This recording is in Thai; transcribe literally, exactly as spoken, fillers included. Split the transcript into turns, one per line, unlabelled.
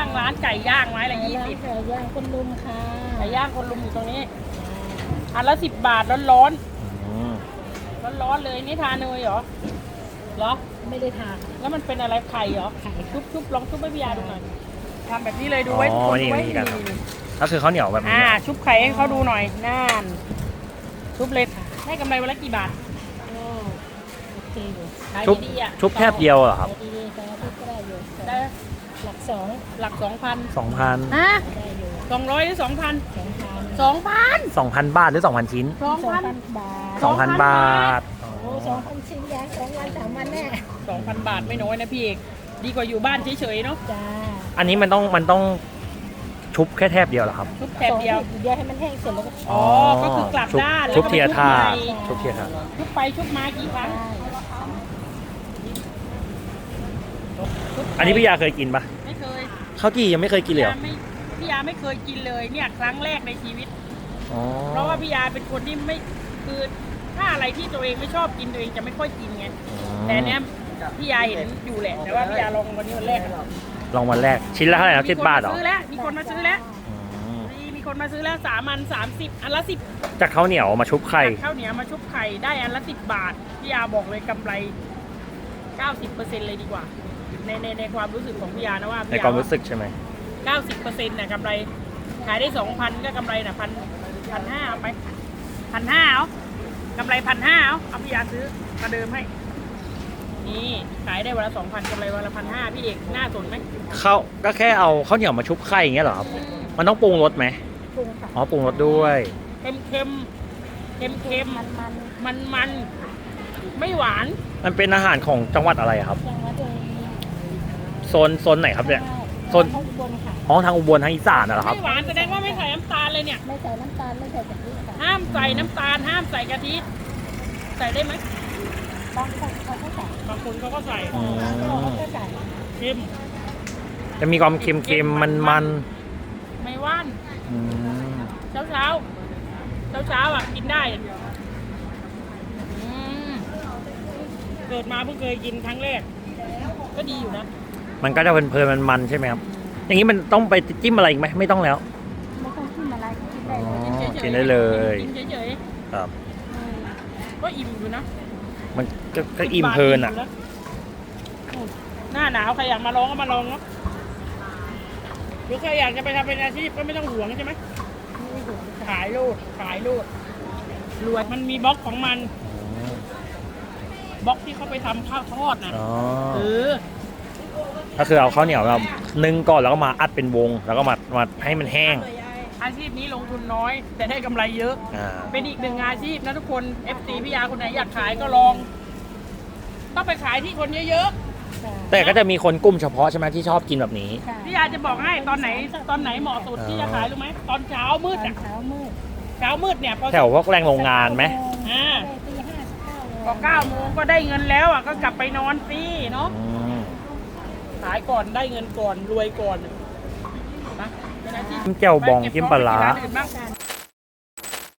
างร้านไก่ย่างไม้ละยี่สิบ
ไก่ย่างคนลุมค่ะ
ไก่ย่างคนลุมอยู่ตรงนี้อันละสิบบาทร้อน
อืม
ร้อนร้อนๆเลยนี่ทานเนยเหรอเหรอ
ไม่ได้ทาน
แล้วมันเป็นอะไรไข่เหรอ
ไข่
ชุบชุบลองชุบให้พี่ยาดูหน่อยทำแบบนี้เลยดูไว้
อ๋อ
คน
นี่
ดูไว้
นี่กันครับ
นี่
ก็คือข้าวเหนียวแบบนี้
อ่าชุบไข่ให้เขาดูหน่อยน่านชุบเลยได้กำไรวันละกี่บาท
ก็โอเคอยู่
ขาย
ชุบ
ดีๆอ่ะ
ชุบแคบเดียวเหรอครับ
ขายดีๆแต่ว่าก็ได้อยู่
ได้
หลักสอง
หลักสองพัน
สองพัน
ฮะ
ได้อยู่
สองร้อยหรือสองพัน
สองพัน
สองพัน
สองพันบาทหรือสองพันชิ้น
สองพัน
บาท
สองพันบาท
โอ้สองพันชิ้นยางสองวันสามวันแน่
สองพันบาทไม่น้อยนะพี่เอกดีกว่าอยู่บ้านเฉยๆเนาะ
จ้า
อันนี้มันต้องมันต้องชุบแค่แทบเดียวเหรอครับ
ชุบแถบเดียว
สองเดียวให้มันแห้งเสร็จแล้วก็
อ๋อก็คือกลับ
ชุบ
ด้านแล้ว
ชุบ
ก็
เทียท่า
ไป
ชุบเทียท่า
ชุบไปชุบมากี่ครั้ง
ได้
ชุบไป
อันนี้พี่ยาเคยกินปะ
ไม่เคย
ข้าวจี่ยังไม่เคยกินเลยเหรอ
พี่ยาไม่พี่ยาไม่เคยกินเลยเนี่ยครั้งแรกในชีวิต
อ๋อ
เพราะว่าพี่ยาเป็นคนที่ไม่คือถ้าอะไรที่ตัวเองไม่ชอบกินตัวเองจะไม่ค่อยกินไงแต่เนี้ยพี่ยาเห็นอยู่แหละแต่ว่าพี่ยาลองวันนี้วันแรกอะ
ลองวันแรกชิ้นละเท่าไหร่ครับสิบบาทเหรอ
มีคนมาซื้อแล้วมีคนมาซื้อแล้ว
อืม
มีมีคนมาซื้อแล้วสามอันสามสิบอันละสิบ
จากข้าวเหนียวมาชุบไข่
ข้าวเหนียวมาชุบไข่ได้อันละสิบบาทพี่ยาบอกเลยกำไรเก้าสิบเปอร์เซ็นต์เลยดีกว่าในในในความรู้สึกของพี่ยานะว่า
ในความรู้สึกใช่ไหม
เก้าสิบเปอร์เซ็นต์น่ะกำไรขายได้สองพันก็กำไรน่ะพันพันห้าเอาไปพันห้าเอากำไรพันห้าเอาเอาพี่ยาซื้อมาเดิมให้นี่ขายได้วันละสองพันกำไรวันละพันห้าพี่เอกน่าสนไหม
ข้าวก็แค่เอาข้าวเหนียวมาชุบไข่อย่างเงี้ยเหรอครับ มันต้องปรุงรสไหม
ปรุงค่ะ
อ๋อปรุงรสด้วย
เค็มเค็มเค็มเค็ม
มันมัน
มันมันไม่หวาน
มันเป็นอาหารของจังหวัดอะไรครับ
ยังว่าตัวเอง
โซนโซนไหนครับเนี่ย โซน
ข้างบนค่ะ
อ๋อทางอุบลทางอีสานน่ะเหรอครับ
ไม่หวานแสดงว่าไม่ใส่น้ำตาลเลยเนี่ย
ไม่ใส่น้ำตาลไม่ใส่กะทิค่ะ
ห้ามใส่น้ำตาลห้ามใส่กะทิใส่ได้ไหม
บางคนเขาก็ใส่
บางคนเขาก็ใส่
อืม
บางคนเขาก็ใส่
เค็ม
จะมีความเค็มๆมัน
ไม่หว่าน
ๆอืม
เช้าเช้าเช้าเช้าๆอ่ะกินได้อืมเกิดมาเพิ่งเคยกินครั้งแรก ก็ดีอยู่นะ
มันก็จะเพลินๆมันๆใช่ไหมครับ อย่างนี้มันต้องไปจิ้มอะไรอีกไหมไม่ต้องแล้ว
ไม่ต้องขึ้นอะไรกินได้
อ๋อ
เลย
กินเฉยๆ
กินได้เลย
กินเฉย
ครับ
ๆอืมก็อิ่มอยู่นะ
มันก็ก็อิ่มเพลินอ่ะ
หน้าหนาวใครอยากมาลองก็มาลองเนาะหรือใครอยากจะไปทำเป็นอาชีพก็ไม่ต้องหวงใช่ไหมขายโลดขายโลดรวยมันมีบล็อกของมันบล็อกที่เขาไปทำข้าวทอดนะ
อ๋อ
เออ
ก็คือเอาข้าวเหนียวแบบนึ่งก่อนแล้วก็มาอัดเป็นวง แล้วก็มามาให้มันแห้ง
อาชีพนี้ลงทุนน้อย แต่ได้กำไรเยอะ
อ่า
เป็นอีกหนึ่งอาชีพนะทุกคน เอฟ ซี พี่ยาคนไหนอยากขายก็ลอง ต้องไปขายที่คนเยอะ
แต่ก็จะมีคนกลุ่มเฉพาะใช่ไหมที่ชอบกินแบบนี้
ค่ะ
ๆพี่ยาจะบอกให้ตอนไหนตอนไหนเหมาะสุดที่จะขายรู้ไหมตอนเช้ามืด
ตอน
อ่ะ
เช้ามืด
เช้ามืดเนี่ยพอ
แถวพวกแรงโรงงานไหม
อ่า
ตีห้าสิบเก้าโมง
พอเก้าโมงก็ได้เงินแล้วอ่ะก็กลับไปนอนฟรีเนาะ
อืม
ขายก่อนได้เงินก่อนรวยก่อนนะเป็นอาชีพ
จิ้มแจ่วบองจิ้มปลาร้า
ไปเก็บของไปที่นอื่นบ้าง